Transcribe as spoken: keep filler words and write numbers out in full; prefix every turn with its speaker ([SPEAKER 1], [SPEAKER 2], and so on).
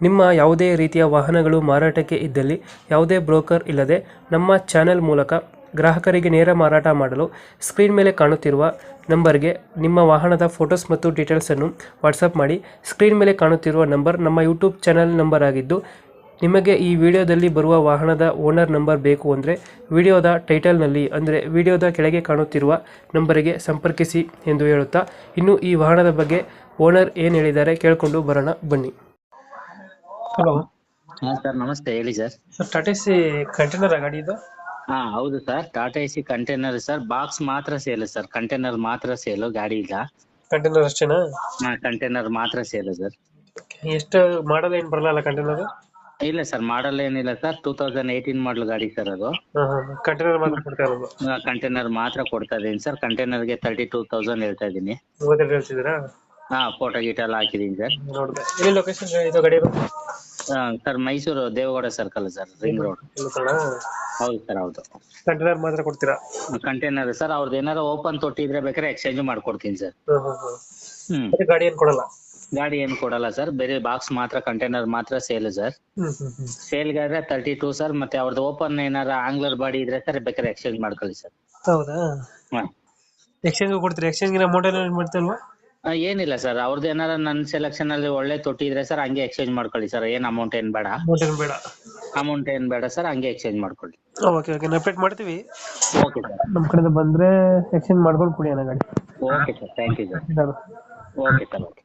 [SPEAKER 1] ನಿಮ್ಮ ಯಾವುದೇ ರೀತಿಯ ವಾಹನಗಳು ಮಾರಾಟಕ್ಕೆ ಇದ್ದಲ್ಲಿ ಯಾವುದೇ ಬ್ರೋಕರ್ ಇಲ್ಲದೆ ನಮ್ಮ ಚಾನೆಲ್ ಮೂಲಕ ಗ್ರಾಹಕರಿಗೆ ನೇರ ಮಾರಾಟ ಮಾಡಲು ಸ್ಕ್ರೀನ್ ಮೇಲೆ ಕಾಣುತ್ತಿರುವ ನಂಬರ್ಗೆ ನಿಮ್ಮ ವಾಹನದ ಫೋಟೋಸ್ ಮತ್ತು ಡೀಟೇಲ್ಸನ್ನು ವಾಟ್ಸಪ್ ಮಾಡಿ. ಸ್ಕ್ರೀನ್ ಮೇಲೆ ಕಾಣುತ್ತಿರುವ ನಂಬರ್ ನಮ್ಮ ಯೂಟ್ಯೂಬ್ ಚಾನೆಲ್ ನಂಬರ್ ಆಗಿದ್ದು, ನಿಮಗೆ ಈ ವಿಡಿಯೋದಲ್ಲಿ ಬರುವ ವಾಹನದ ಓನರ್ ನಂಬರ್ ಬೇಕು ಅಂದರೆ ವಿಡಿಯೋದ ಟೈಟಲ್ನಲ್ಲಿ ಅಂದರೆ ವಿಡಿಯೋದ ಕೆಳಗೆ ಕಾಣುತ್ತಿರುವ ನಂಬರಿಗೆ ಸಂಪರ್ಕಿಸಿ ಎಂದು ಹೇಳುತ್ತಾ, ಇನ್ನು ಈ ವಾಹನದ ಬಗ್ಗೆ ಓನರ್ ಏನು ಹೇಳಿದ್ದಾರೆ ಕೇಳಿಕೊಂಡು ಬರೋಣ ಬನ್ನಿ. ಹಲೋ
[SPEAKER 2] ಹಾ ಸರ್, ನಮಸ್ತೆ. ಹೇಳಿ sir.
[SPEAKER 1] Sir, Tata C container ಗಾಡಿ ಇದು?
[SPEAKER 2] ಹಾ ಹೌದು sir, Tata AC container sir. Box ಮಾತ್ರ ಸೇಲು ಸರ್, ಕಂಟೈನರ್ ಮಾತ್ರ ಸೇಲು, ಗಾಡಿ ಇಲ್ಲ.
[SPEAKER 1] ಕಂಟೈನರ್ ಅಷ್ಟೇನಾ?
[SPEAKER 2] ಹಾ, ಕಂಟೈನರ್ ಮಾತ್ರ ಸೇಲು ಸರ್.
[SPEAKER 1] ಎಷ್ಟು ಮಾಡಲ್ ಏನು ಬರಲ್ಲ ಕಂಟೈನರ್?
[SPEAKER 2] ಇಲ್ಲ ಸರ್, ಮಾಡಲ್ ಏನಿಲ್ಲ sir. Two thousand eighteen model ಗಾಡಿ ಸರ್ ಅದು.
[SPEAKER 1] ಕಂಟೈನರ್ ಮಾತ್ರ ಕೊಡ್ತಾ ಇರೋದು?
[SPEAKER 2] ಕಂಟೈನರ್ ಮಾತ್ರ ಕೊಡ್ತಾ ಇದೀನಿ ಸರ್. ಕಂಟೈನರ್ಗೆ ತರ್ಟಿ ಟೂ ತೌಸಂಡ್ ಹೇಳ್ತಾ ಇದೀನಿ.
[SPEAKER 1] ಮೂವತ್ತೆರಡು ಹೇಳ್ತಿದ್ದೀರಾ?
[SPEAKER 2] ಹಾ, ಫೋಟೋ ಗೀಟ ಎಲ್ಲ ಹಾಕಿದೀನಿ ಸರ್.
[SPEAKER 1] ನೋಡಿದೆ. ಎಲ್ಲಿ ಲೊಕೇಶನ್ ಇದು ಗಾಡಿ ಇರೋದು?
[SPEAKER 2] Sir, Mysuru Devegowda circle sir, ring road. ಹೌದು ಸರ್, ಹೌದು.
[SPEAKER 1] ಕಂಟೈನರ್ ಮಾತ್ರ ಕೊಡ್ತೀರಾ?
[SPEAKER 2] Container sir. ಅವ್ರದ್ದು ಏನಾರ ಓಪನ್ ತೊಟ್ಟಿದ್ರೆ ಬೇಕಾದ್ರೆ ಎಕ್ಸ್ಚೇಂಜ್ ಮಾಡ್ಕೊಡ್ತೀನಿ ಸರ್. ಹ್ಮ್
[SPEAKER 1] ಗಾಡಿ ಏನು ಕೊಡಲ್ಲ?
[SPEAKER 2] ಗಾಡಿ ಏನು ಕೊಡಲ್ಲ ಸರ್, ಬೇರೆ ಬಾಕ್ಸ್ ಮಾತ್ರ, ಕಂಟೈನರ್ ಮಾತ್ರ ಸೇಲ್ ಸರ್. ಸೇಲ್ಗಾದ್ರೆ ತರ್ಟಿ ಟೂ ಸರ್. ಮತ್ತೆ ಅವ್ರದ್ದು ಓಪನ್ ಏನಾರ ಆಂಗ್ಲರ್ ಬಾಡಿ ಇದ್ರೆ ಸರ್ ಬೇಕಾದ್ರೆ ಎಕ್ಸ್ಚೇಂಜ್ ಮಾಡ್ಕೊಳ್ಳಿ ಸರ್.
[SPEAKER 1] ಹೌದಾ? ಎಕ್ಸ್ಚೇಂಜ್ ಕೊಡ್ತೀರಾ? ಎಕ್ಸ್ಚೇಂಜ್ ಅಮೌಂಟ್ ಏನು ಮಾಡ್ತಲ್ವಾ?
[SPEAKER 2] ಏನಿಲ್ಲ ಸರ್, ಅವ್ರದ್ದು ಏನಾರ ನನ್ನ ಸೆಲೆಕ್ಷನ್ ಅಲ್ಲಿ ಒಳ್ಳೆ ತೊಟ್ಟಿ ಇದ್ರೆ ಸರ್ ಹಂಗೆ ಎಕ್ಸ್ಚೇಂಜ್ ಮಾಡ್ಕೊಳ್ಳಿ ಸರ್. ಏನ್ ಅಮೌಂಟ್ ಏನ್ ಬೇಡ.
[SPEAKER 1] ಅಮೌಂಟ್ ಏನು ಬೇಡ?
[SPEAKER 2] ಅಮೌಂಟ್ ಏನ್ ಬೇಡ ಸರ್, ಹಂಗೆ ಎಕ್ಸ್ಚೇಂಜ್ ಮಾಡ್ಕೊಳ್ಳಿ.
[SPEAKER 1] ಓಕೆ ಓಕೆ, ನಾವು ಅಪ್ಡೇಟ್ ಮಾಡ್ತೀವಿ.
[SPEAKER 2] ಓಕೆ ಸರ್,
[SPEAKER 1] ನಮ್ಮ ಕಡೆಯಿಂದ ಬಂದರೆ ಎಕ್ಸ್ಚೇಂಜ್ ಮಾಡ್ಕೊಂಡು ಕೊಡಿ ಅಣ್ಣ ಗಾಡಿ.
[SPEAKER 2] Okay sir, thank you sir. Okay sir, okay.